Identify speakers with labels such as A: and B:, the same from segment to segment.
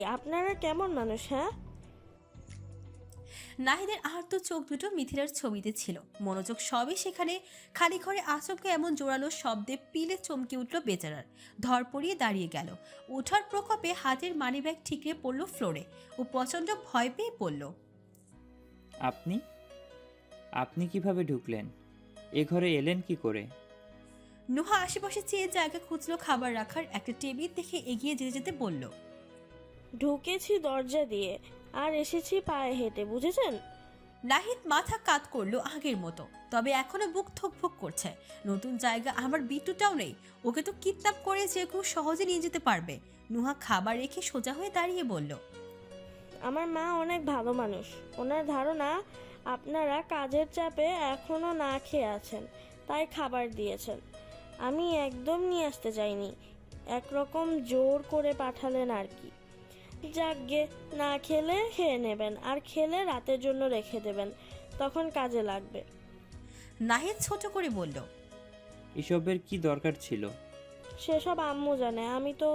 A: আপনারা কেমন মানুষ, হ্যাঁ?
B: নাহিদের আহত চোখ দুটো মিথিলার ছবিতে ছিল, মনোযোগ সবই সেখানে। খালি ঘরে আচমকে এমন জোরালো শব্দে পিলে চমকে উঠল বেচারার। ধর পড়িয়ে দাঁড়িয়ে গেল। ওঠার প্রকোপে হাতের মানিব্যাগ ঠিকরে পড়ল ফ্লোরে। ও প্রচণ্ড ভয় পেয়ে পড়ল।
C: আপনি আপনি কিভাবে ঢুকলেন? এ ঘরে এলেন কি করে?
B: নুহা আশেপাশে চেয়ে জায়গা খুঁজলো খাবার রাখার একটা টেবিল দেখে এগিয়ে যেতে যেতে বলল।
A: ঢুকেছি দরজা দিয়ে, আর এসেছি পায়ে হেঁটে, বুঝেছেন?
B: নাহিদ মাথা কাত করলো আগের মতো, তবে এখনো বুক থুকফুক করছে। নতুন জায়গা, আমার বিট্টুটাও নেই। ওকে তো কিডন্যাপ করে যে কেউ সহজে নিয়ে যেতে পারবে। নুহা খাবার রেখে সোজা হয়ে দাঁড়িয়ে বলল।
A: আমার মা অনেক ভালো মানুষ। ওনার ধারণা আপনারা কাজের চাপে এখনো না খেয়ে আছেন, তাই খাবার দিয়েছেন। আমি একদম নিয়ে আসতে চাইনি, একরকম জোর করে পাঠালেন আর কি। যাকগে, না খেলে খেয়ে নেবেন, আর খেলে রাতের জন্য রেখে দেবেন, তখন কাজে লাগবে।
B: নাহিদ ছোট করে বলল।
C: এসবের কি দরকার ছিল?
A: সেসব আম্মু জানে, আমি তো।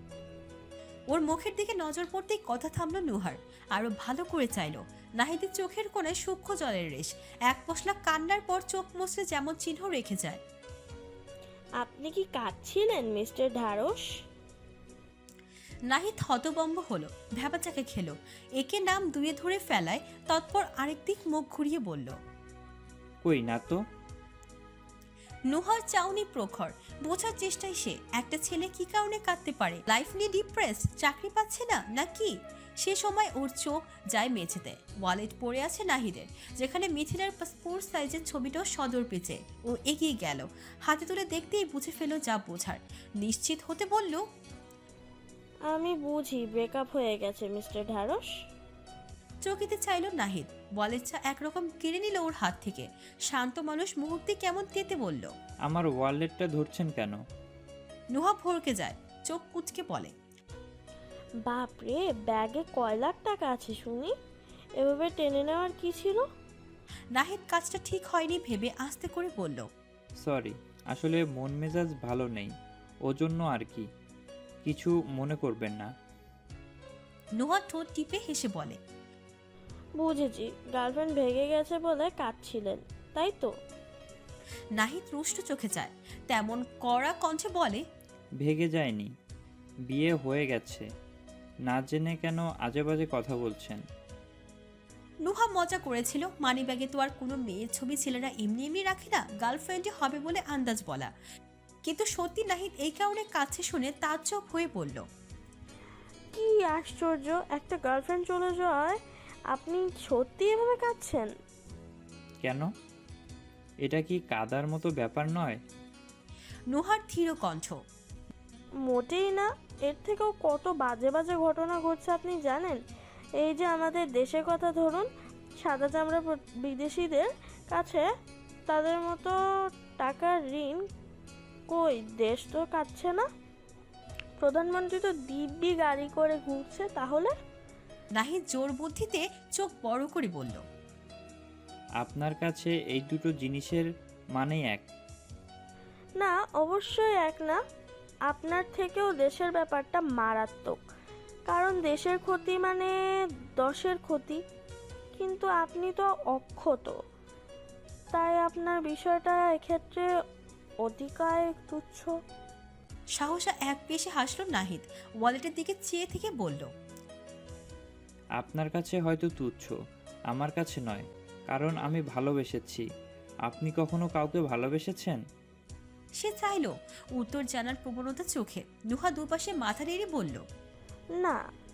B: ওর মুখের দিকে নজর পড়তেই কথা থামলো নুহার। আরো ভালো করে চাইলো। নাহিদের চোখের কোণে সূক্ষ্ম জলের রেশ। এক পশলা কান্নার পর চোখ মুছলে যেমন চিহ্ন রেখে যায়।
A: আপনি কি কাঁদছিলেন মিস্টার ঢারস?
B: নাহিদ হতবম্ব হলো, ভ্যাবাচাকে খেলো। একে নাম দুয়ে ধরে ফেলায় তৎপর আরেক দিক মুখ ঘুরিয়ে বলল।
C: কই না তো।
B: নুহার চাউনি প্রখর। বোঝার চেষ্টায় সে, একটা ছেলে কি কারণে কাঁদতে পারে? লাইফ নিয়ে ডিপ্রেস, চাকরি পাচ্ছে না নাকি? সে সময় ওর চোখ যায় মেঝেতে। ওয়ালেট পড়ে আছে নাহিদের, যেখানে মিথিলার পাসপোর্ট সাইজের ছবিটাও সদর পেঁচে। ও এগিয়ে গেল, হাতে তুলে দেখতেই বুঝে ফেলো যা বোঝার। নিশ্চিত হতে বলল।
A: আমি বুঝি ব্রেকআপ হয়ে গেছে মিস্টার ঢারস।
B: চকিতে চাইল নাহিদ। ওয়ালেটটা একরকম কেড়ে নিল ওর হাত থেকে। শান্ত মানুষ মুহূর্তে কেমন তেতে বলল।
C: আমার ওয়ালেটটা ধরছেন কেন?
B: নুহা ভরকে যায়, চোখ কুচকে বলে।
A: বাপরে, ব্যাগে কয় লাখ টাকা আছে শুনি? এভাবে টেনে নেওয়ার কি ছিল?
B: নাহিদ কাজটা ঠিক হয়নি ভেবে আস্তে করে বলল।
C: সরি, আসলে মন মেজাজ ভালো নেই, ওজন্য আর কি। কিছু মনে করবেন না।
B: নুহা ঠোঁট টিপে হেসে বলে।
A: বুঝেছি, গার্লফ্রেন্ড ভেগে গেছে বলে কাঁদছিলেন, তাই তো?
B: নাহিদ রুষ্ট চোখে চায়, তেমন কড়া কণ্ঠে বলে।
C: ভেগে যায়নি, বিয়ে হয়ে গেছে। না জেনে কেন আজে বাজে কথা বলছেন?
B: নুহা মজা করেছিল, মানিব্যাগে তো আর কোনো মেয়ের ছবি ছেলেরা এমনি এমনি রাখে না, গার্লফ্রেন্ডই হবে বলে আন্দাজ বলা। কিন্তু সত্যি নাহিদ এই কারণে কাছে শুনে তাজ্জব হয়ে পড়ল।
A: কি আশ্চর্য, একটা গার্লফ্রেন্ড চলে যাওয়ায় আপনি সত্যি এভাবে কাঁদছেন?
C: কেন? এটা কি কাদার মতো ব্যাপার নয়?
B: নুহার ধীর কণ্ঠ।
A: মোটেই না। এর থেকেও কত বাজে বাজে ঘটনা ঘটছে আপনি জানেন? এই যে আমাদের দেশের কথা ধরুন, সাদা চামড়া বিদেশিদের কাছে তাদের মতো টাকার ঋণ, কই দেশ তো কাটছে না। প্রধানমন্ত্রী তো দিব্যি গাড়ি করে ঘুরছে, তাহলে?
B: নাহিদ জোর বুদ্ধিতে চোখ বড় করে বলল।
C: আপনার কাছে এই দুটো জিনিসের মানেই এক?
A: না, অবশ্যই এক না। আপনার থেকেও দেশের ব্যাপারটা মারাত্মক, কারণ দেশের ক্ষতি মানে দশের ক্ষতি। কিন্তু আপনি তো অক্ষত, তাই আপনার বিষয়টা এক্ষেত্রে অতিকায় তুচ্ছ।
B: সাহসা এক পেশে হাসল নাহিদ, ওয়ালেটের দিকে চেয়ে থেকে বলল।
C: আপনার কাছে হয়তো তুচ্ছ, আমার কাছে নয়, কারণ আমি ভালোবেসেছি। আপনি কখনো কাউকে ভালোবেসেছেন?
B: সে চাইল উত্তর জানার প্রবণতা চোখে। নুহা দুপাশে মাথা নেড়ে বলল।
A: না।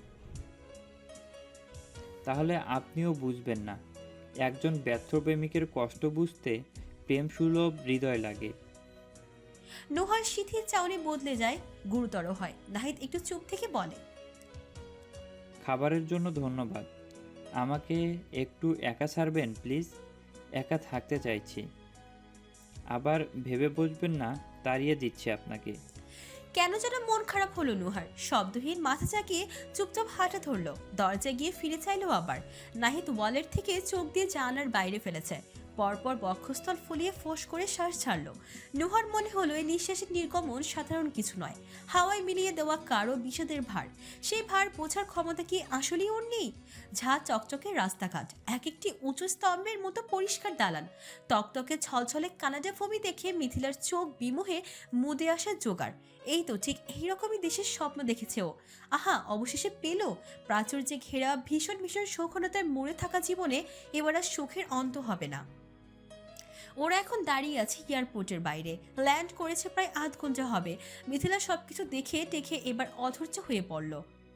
C: তাহলে আপনিও বুঝবেন না। একজন ব্যর্থ প্রেমিকের কষ্ট বুঝতে প্রেম সুলভ হৃদয় লাগে।
B: নুহার শিথিল চাউনি বদলে যায়, গুরুতর হয়। নাহিদ একটু চুপ থেকে বলে।
C: খাবারের জন্য ধন্যবাদ। আমাকে একটু একা ছাড়বেন প্লিজ? একা থাকতে চাইছি। আবার ভেবে বসবেন না, তাড়িয়ে দিচ্ছি আপনাকে।
B: কেন যেন মন খারাপ হলো নুহার। শব্দহীন মাথা চাকিয়ে চুপচাপ হাঁটা ধরল। দরজা গিয়ে ফিরে চাইলো আবার। নাহিদ ওয়ালেট থেকে চোখ দিয়ে জানালার বাইরে ফেলেছে। পরপর বক্ষস্থল ফুলিয়ে ফোঁস করে শ্বাস ছাড়ল। নুহার মনে হলো এই নিঃশ্বাসের নির্গমন সাধারণ কিছু নয়, হাওয়ায় মিলিয়ে দেওয়া কারো বিষাদের ভার। সেই ভার বোঝার ক্ষমতা কি আসলেই ওর নেই? ঝাঁ চকচকে রাস্তাঘাট, এক একটি উঁচু স্তম্ভের মতো পরিষ্কার দালান, তকতকে ছলছলে কানাডা ভূমি দেখে মিথিলার চোখ বিমোহে মুদে আসার জোগাড়। এই তো ঠিক এইরকমই দেশের স্বপ্ন দেখেছে ও। আহা, অবশেষে পেল প্রাচুর্যে ঘেরা ভীষণ ভীষণ সৌখনতায় মরে থাকা জীবনে এবার আর সুখের অন্ত হবে না। ওরা এখন দাঁড়িয়ে আছে এয়ারপোর্টের বাইরে, ল্যান্ড করেছে প্রায় আধ ঘন্টা হবে। মিথিলা সবকিছু দেখে টেখে এবার অধৈর্য হয়ে পড়ল।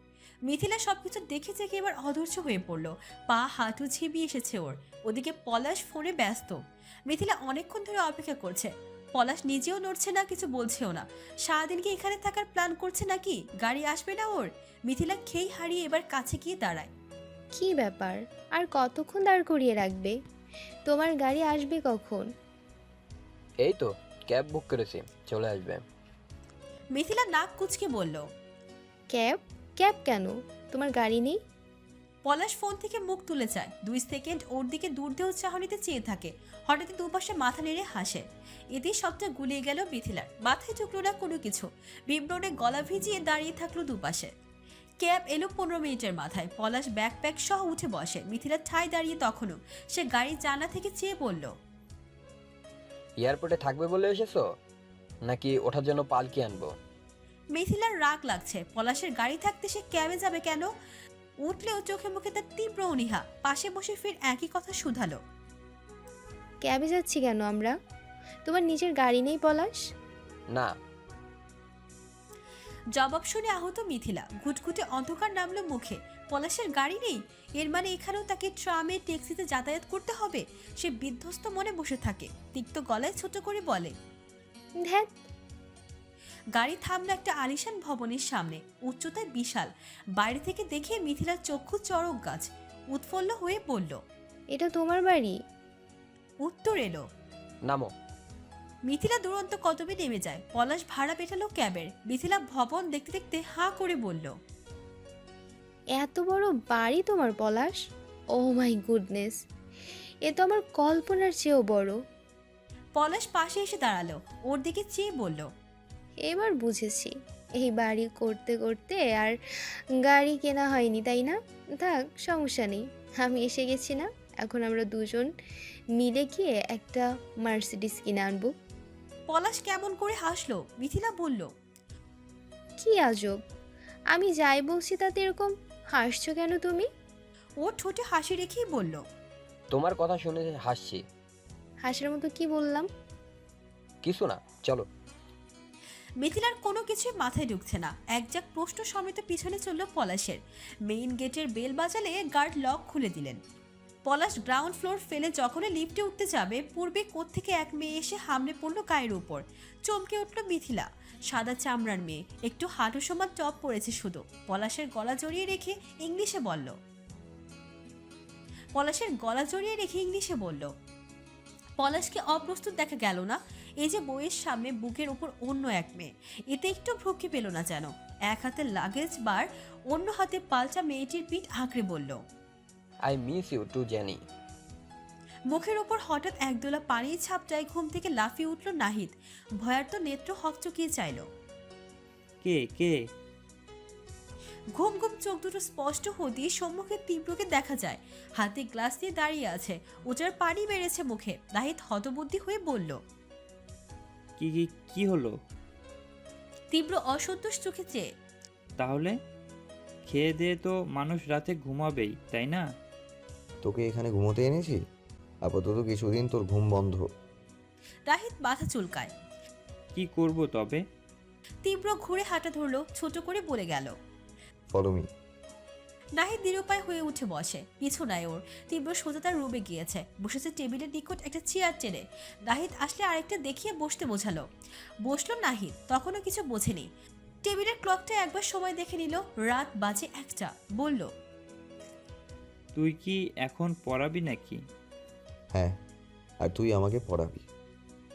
B: পা হাঁটু ঝিমিয়ে এসেছে ওর। ওদিকে পলাশ ফোনে ব্যস্ত। মিথিলা অনেকক্ষণ ধরে অপেক্ষা করছে। পলাশ নিজেও নড়ছে না, কিছু বলছেও না। সারাদিন কি এখানে থাকার প্ল্যান করছে নাকি? গাড়ি আসবে না ওর? মিথিলা খেই হারিয়ে এবার কাছে গিয়ে দাঁড়ায়।
D: কি ব্যাপার, আর কতক্ষণ দাঁড় করিয়ে রাখবে? তোমার গাড়ি আসবে কখন?
E: এই তো ক্যাব বুক করেছি, চলে আসবে।
B: মিথিলা নাক কুচকে বলল।
D: ক্যাব? ক্যাব কেন? তোমার গাড়ি নেই?
B: পলাশ ফোন থেকে মুখ তুলে চায়। 2 সেকেন্ড ওর দিকে দূরদেহ চাহনিতে চেয়ে থাকে। হঠাৎ দুপাশে মাথা নেড়ে হাসে। এতেই সবটা গুলিয়ে গেল মিথিলার। মাথায় ঢুকলো না কোনো কিছু। বিব্রণে গলা ভিজিয়ে দাঁড়িয়ে থাকলো দুপাশে। ক্যাব এলো 15 মিনিটের মাথায়। পলাশ ব্যাকপ্যাক সহ উঠে বসে। মিথিলা ঠাই দাঁড়িয়ে তখনও। সে গাড়ির জানলা থেকে চেয়ে বলল,
E: এয়ারপোর্টে থাকবে বলে এসেছো নাকি ওঠার জন্য পালকি আনবো?
B: মিথিলার রাগ লাগছে। পলাশের গাড়ি থাকতে সে ক্যাবে যাবে কেন? উঠলেও চোখে মুখে তার তীব্র অনীহা। পাশে বসে ফির একই কথা শুধালো।
D: ক্যাবে যাচ্ছি কেন আমরা? তোমার নিজের গাড়ি নেই পলাশ?
E: না।
B: জবাব শুনে আহত মিথিলা। ঘুটঘুটে অন্ধকার নামলো মুখে। পলাশের গাড়ি নেই? এর মানে এখানেও তাকে ট্রামে ট্যাক্সিতে যাতায়াত করতে হবে? সে বিধ্বস্ত মনে বসে থাকে। তিক্ত গলায় ছোট করে বলে,
D: ধ্যাত।
B: গাড়ি থামলো একটা আলিশান ভবনের সামনে। উচ্চতায় বিশাল। বাইরে থেকে দেখে মিথিলার চক্ষু চড়ক গাছ। উৎফুল্ল হয়ে বলল,
D: এটা তোমার বাড়ি?
B: উত্তর এলো,
E: নামো।
B: মিথিলা দুরন্ত কদমে নেমে যায়। পলাশ ভাড়া পেটালো ক্যাবের। মিথিলা ভবন দেখতে দেখতে হাঁ করে বলল,
D: এত বড় বাড়ি তোমার পলাশ? ও মাই গুডনেস, এ তো আমার কল্পনার চেয়েও বড়।
B: পলাশ পাশে এসে দাঁড়ালো। ওর দিকে চেয়ে বলল,
D: এবার বুঝেছি, এই বাড়ি করতে করতে আর গাড়ি কেনা হয়নি, তাই না? থাক, সমস্যা নেই, আমি এসে গেছি না। এখন আমরা দুজন মিলে গিয়ে একটা মার্সিডিস কিনে আনবো।
B: পলাশ কেমন করে হাসলো। মিথিলা বলল,
D: কি আজব, আমি যাই বলছি তাতে এরকম হাসছো কেন তুমি?
B: ও ঠোঁটে হাসি রেখেই বলল,
E: তোমার কথা শুনে হাসছি।
D: হাসার মতো কি বললাম?
E: কিছু না, চলো।
B: মিথিলার কোনো কিছুই মাথায় ঢুকছে না। একজাক প্রশ্ন সমেত পিছনে চলল পলাশের। মেইন গেটের বেল বাজালে গার্ড লক খুলে দিলেন। পলাশ গ্রাউন্ড ফ্লোর ফেলে যখনই লিফটে উঠতে যাবে, পূর্বে কোত্থেকে এক মেয়ে এসে হামলে পড়লো গায়ের উপর। চমকে উঠল মিথিলা। সাদা চামড়ার মেয়ে, একটু হাঁটু সমান টপ পরেছে শুধু। পলাশের গলা জড়িয়ে রেখে ইংলিশে বলল, পলাশকে অপ্রস্তুত দেখা গেল না। এই যে বইয়ের সামনে বুকের উপর অন্য এক মেয়ে, এতে একটু ভ্রুক্ষে পেল না যেন। এক হাতে লাগেজ বার, অন্য হাতে পাল্টা মেয়েটির পিঠ আঁকড়ে বলল,
E: I miss you too Jenny.
B: মুখের ওপর হঠাৎ একদোলা পানির ছাপটায় ঘুম থেকে লাফিয়ে উঠল নাহিদ। ভয়ার্ত নেত্র হকচকিয়ে চাইল।
C: কে কে?
B: ঘুম ঘুম চোখ দুটো স্পষ্ট হতেই সম্মুখে তীব্রকে দেখা যায়। হাতে গ্লাস দিয়ে দাঁড়িয়ে আছে। উজার পানি বেড়েছে মুখে। নাহিদ হতবুদ্ধি হয়ে বলল,
C: কি কি কি হলো?
B: তীব্র অসন্তোষ চোখে চেয়ে,
C: তাহলে খেয়ে দিয়ে তো মানুষ রাতে ঘুমাবেই, তাই না?
F: তোকে এখানে ঘুমোতে এনেছি, আপাতত কিছুদিন তোর ঘুম বন্ধ।
B: নাহিদ মাথা চুলকায়।
C: কি করব তবে?
B: তীব্র ঘুরে হাঁটা ধরলো, ছোট করে বলে গেল।
F: Follow me.
B: নাহিদ নিরুপায় হয়ে উঠে বসে। পিছু নাই ওর। তীব্র সোজা তার রুমে গিয়েছে। বসেছে টেবিলের নিকট একটা চেয়ার টেনে। নাহিদ আসলে আরেকটা দেখিয়ে বসতে বোঝালো। বসলো নাহিদ, তখনও কিছু বোঝেনি। টেবিলের ক্লকটা একবার সময় দেখে নিল। রাত বাজে 1টা। বলল,
C: তুই কি এখন পড়াবি নাকি?
F: হ্যাঁ, আর তুই আমাকে পড়াবি।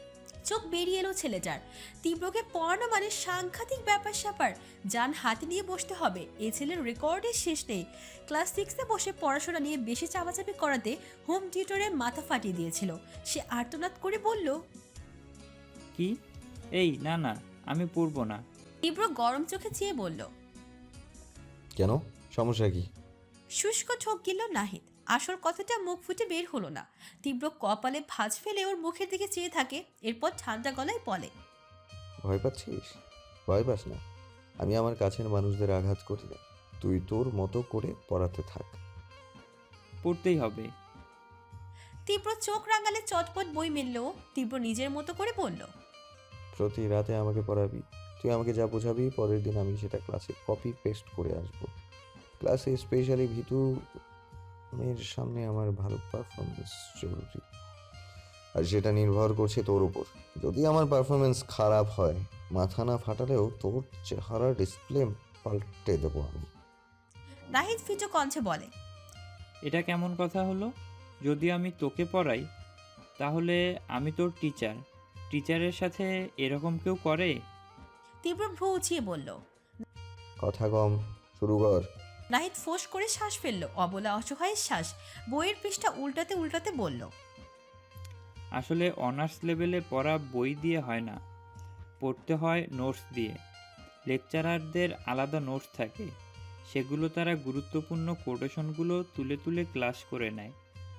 B: চোখ বেরিয়ে এলো ছেলেটার। তীব্রকে পড়ানো মানে সাংঘাতিক ব্যাপার স্যাপার, যান হাতে নিয়ে বসতে হবে। এ ছেলের রেকর্ডের শেষ নেই। ক্লাস 6-এ বসে পড়াশোনা নিয়ে বেশি চাপাচাপি করাতে হোম টিউটরের মাথা ফাটিয়ে দিয়েছিল। সে আর্তনাদ করে বলল,
C: কি? এই না না, আমি পড়বো না।
B: তীব্র গরম চোখে চেয়ে বলল।
F: কেন, সমস্যা কি?
B: শুষ্ক ঠোক গিলল নাহিদ। আসল কথাটা মুখ ফুটে বের হলো না। তীব্র কপালে ভাঁজ ফেলে ওর মুখের দিকে চেয়ে থাকে, এরপর ঠান্ডা গলায় বলে,
F: ভয় পাচ্ছিস? ভয় পাস না, আমি আমার কাছের মানুষদের আঘাত করি না। তুই তোর মতো করে পড়াতে থাক।
C: পড়তেই হবে।
B: তীব্র চোখ রাঙালে চটপট বই মেলল। তীব্র নিজের মতো করে বলল,
F: প্রতি রাতে আমাকে পড়াবি। তুই আমাকে যা বোঝাবি পরের দিন আমি সেটা ক্লাসে কপি পেস্ট করে আসবো। ক্লাসে স্পেশালি ভিতু মেয়ের সামনে আমার ভালো পারফরমেন্স জরুরি, আর সেটা নির্ভর করছে তোর উপর। যদি আমার পারফরমেন্স খারাপ হয়, মাথা না ফাটালেও তোর চেহারা ডিসপ্লে পাল্টে দেবো আমি।
B: নাহিদ ফিটো কণ্ঠে বলে,
C: এটা কেমন কথা হলো? যদি আমি তোকে পড়াই তাহলে আমি তোর টিচার। টিচারের সাথে এরকম কেউ করে?
B: তীব্র ভ্রু উঁচিয়ে বলল।
F: কথা কম, শুরু কর।
B: নাহিদ ফোঁস করে শ্বাস ফেলল, অবলা অসহায়ের শ্বাস। বইয়ের পৃষ্ঠা উল্টাতে উল্টাতে বলল,
C: আসলে অনার্স লেভেলে পড়া বই দিয়ে হয় না, পড়তে হয় নোটস দিয়ে। লেকচারারদের আলাদা নোটস থাকে, সেগুলো তারা গুরুত্বপূর্ণ কোটেশনগুলো তুলে তুলে ক্লাস করে নেয়।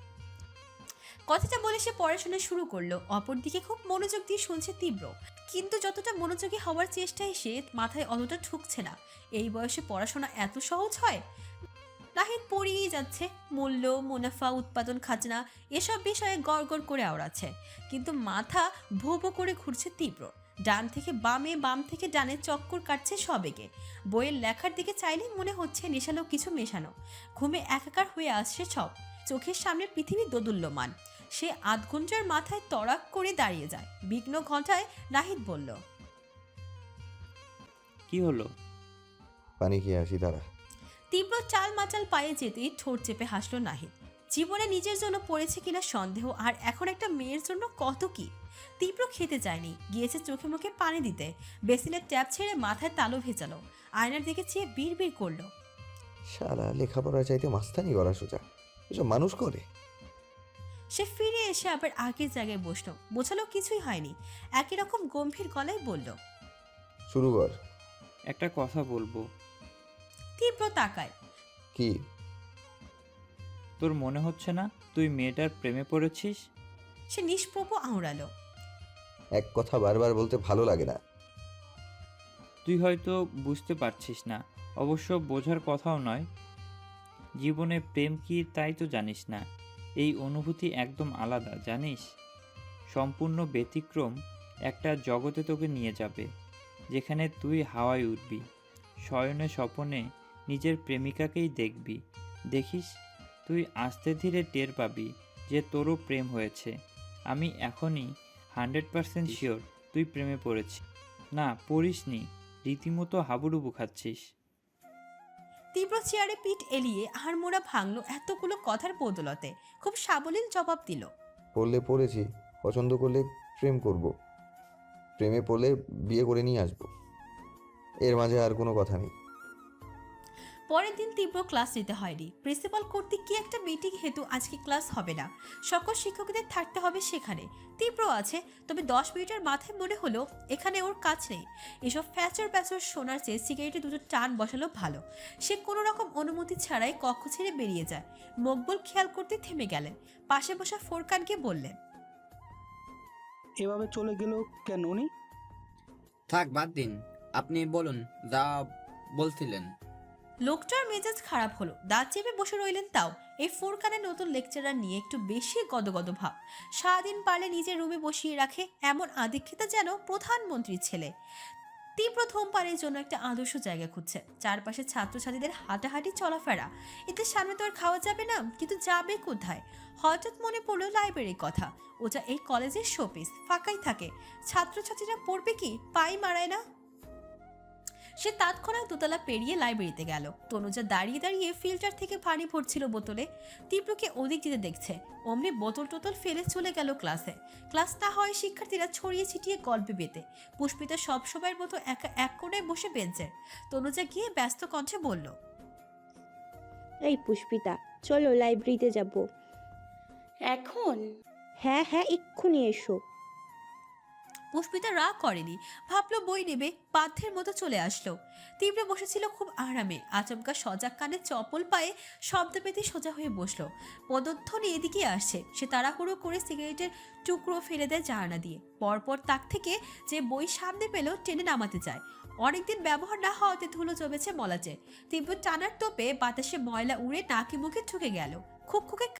B: কথাটা বলে সে পড়াশোনা শুরু করলো। অপরদিকে খুব মনোযোগ দিয়ে শুনছে তীব্র, কিন্তু যতটা মনোযোগী হওয়ার চেষ্টায় সে মাথায় অতটা ঢুকছে না। এই বয়সে পড়াশোনা এত সহজ হয়? নাহিদ পড়িয়েই যাচ্ছে, মূল্য, মুনাফা, উৎপাদন, খাজনা এসব বিষয়ে গড়গড় করে আওড়াচ্ছে, কিন্তু মাথা ভো ভো করে ঘুরছে তীব্র। ডান থেকে বামে, বাম থেকে ডানে চক্কর কাটছে সবেগে। বইয়ের লেখার দিকে চাইলে মনে হচ্ছে নেশালো কিছু মেশানো। ঘুমে একাকার হয়ে আসছে সব। চোখের সামনে পৃথিবী দোদুল্যমান। সে আধ ঘন্টার মাথায় তড়াক করে দাঁড়িয়ে যায়। বিঘ্ন ঘটায় নাহিদ বলল,
C: কি হলো?
F: পানি খেয়ে আসি তারা।
B: তীব্র চাল মাচাল পায়ে যেতেই ঠোঁট চেপে হাসলো নাহিদ। জীবনে নিজের জন্য পড়েছে কিনা সন্দেহ, আর এখন একটা মেয়ের জন্য কত কি। তীব্র খেতে চায়নি, গিয়েছে চোখে মুখে পানি দিতে। বেসিনের ট্যাপ ছেড়ে মাথায় তালু ভেজালো। আয়নার দিকে চেয়ে বিড় করলো,
F: শালা লেখাপড়া চাইতে মাস্তানি করা সোজা, এসব মানুষ করে?
B: সে ফিরে এসে আবার আগের জায়গায় বসলো। বোঝালো কিছুই হয়নি। একই রকম গম্ভীর গলায় বলল,
F: শুরু কর।
C: একটা কথা বলবো।
B: তীব্র তাকায়।
F: কি?
C: তোর মনে হচ্ছে না তুই মেয়েটার প্রেমে পড়েছিস?
B: সে নিষ্প্রভ আওড়ালো,
F: এক কথা বারবার বলতে ভালো লাগে না।
C: তুই হয়তো বুঝতে পারছিস না, অবশ্য বোঝার কথাও নয়। জীবনে প্রেম কি তাই তো জানিস না। এই অনুভূতি একদম আলাদা, জানিস? সম্পূর্ণ ব্যতিক্রম একটা জগতে তোকে নিয়ে যাবে, যেখানে তুই হাওয়ায় উঠবি, শয়নে স্বপনে নিজের প্রেমিকাকেই দেখবি। দেখিস, তুই আস্তে ধীরে টের পাবি যে তোরও প্রেম হয়েছে। আমি এখনই 100% শিওর তুই প্রেমে পড়েছিস। না, পড়িসনি, রীতিমতো হাবুডুবু খাচ্ছিস।
B: তীব্র চেয়ারে পিঠ এলিয়ে হাড়মোড়া ভাঙলো এতগুলো কথার বদলতে। খুব সাবলীল জবাব দিল,
F: পড়লে পড়েছি, পছন্দ করলে প্রেম করব, প্রেমে পড়লে বিয়ে করে নিয়ে আসবো, এর মাঝে আর কোনো কথা নেই।
B: পরের দিন তীব্র ক্লাস নিতে হয়নি। প্রিন্সিপাল কর্তৃক কি একটা মিটিং হেতু আজকে ক্লাস হবে না। সকল শিক্ষকদের থাকতে হবে সেখানে। তীব্র আছে, তবে 10 মিনিটের মাথায় মনে হলো এখানে ওর কাজ নেই। এসব ফ্যাচর প্যাচর শোনার চেয়ে সিগারেটে দুটো টান বসালো ভালো। সে কোনো রকম অনুমতি ছাড়াই কক্ষ ছেড়ে বেরিয়ে যায়। মকবুল খেয়াল করতে থেমে গেলেন। পাশে বসা ফোরকানকে বললেন,
G: এভাবে চলে গেল কেন উনি?
H: থাক, বাদ দিন। আপনি বলুন যা বলছিলেন।
B: লোকটার মেজাজ খারাপ হলো। দাঁত চেপে বসে রইলেন তাও। এই ফোরকানের নতুন লেকচারার নিয়ে একটু বেশি গদগদ ভাব। সারাদিন পারলে নিজের রুমে বসিয়ে রাখে, এমন আদিক্ষেতা যেন প্রধানমন্ত্রীর ছেলে। তীব্র ধূমপানের জন্য একটা আদর্শ জায়গা খুঁজছে। চারপাশে ছাত্রছাত্রীদের হাঁটাহাঁটি চলাফেরা। এতে সামনে তো আর খাওয়া যাবে না, কিন্তু যাবে কোথায়? হঠাৎ মনে পড়লো লাইব্রেরির কথা। ওটা এই কলেজের শোপিস, ফাঁকাই থাকে। ছাত্রছাত্রীরা পড়বে কি, পাই মারায় না। সে তৎক্ষণাৎ দোতলা পেরিয়ে লাইব্রেরিতে গেল। তনুজা দাঁড়িয়ে দাঁড়িয়ে ফিল্টার থেকে পানি ভরছিল বোতলে। তীব্রকে ওদিক যেতে দেখছে, অমনি বোতল টোতল ফেলে চলে গেল ক্লাসে। ক্লাস না হয় শিক্ষার্থীরা ছড়িয়ে ছিটিয়ে গল্পে পেতে, পুষ্পিতা সবসময়ের মতো একা এক কোণায় বসে বেঞ্চের। তনুজা গিয়ে ব্যস্ত কণ্ঠে বলল,
G: এই পুষ্পিতা, চলো লাইব্রেরিতে যাব।
I: এখন?
G: হ্যাঁ হ্যাঁ, এক্ষুনি এসো।
B: পুষ্পিতা রাগ করেনি, ভাবলো বই নেবে, বাধ্যের মতো চলে আসলো। তীব্র বসেছিল খুব আরামে, আচমকা সজাগ কানে চপল পায়ে শব্দ পেতে সোজা হয়ে বসলো। পদধ্বনি এদিকে আসছে, সে তাড়াহুড়ো করে সিগারেটের টুকরো ফেলে দেয় জানালা দিয়ে। পরপর তাক থেকে যে বই সামনে পেল টেনে নামাতে চায়। অনেকদিন ব্যবহার না হওয়াতে ধুলো জমেছে মলাচে। তীব্র টানার তোপে বাতাসে ময়লা উড়ে নাকি মুখে ঢুকে গেল। খুকখুকে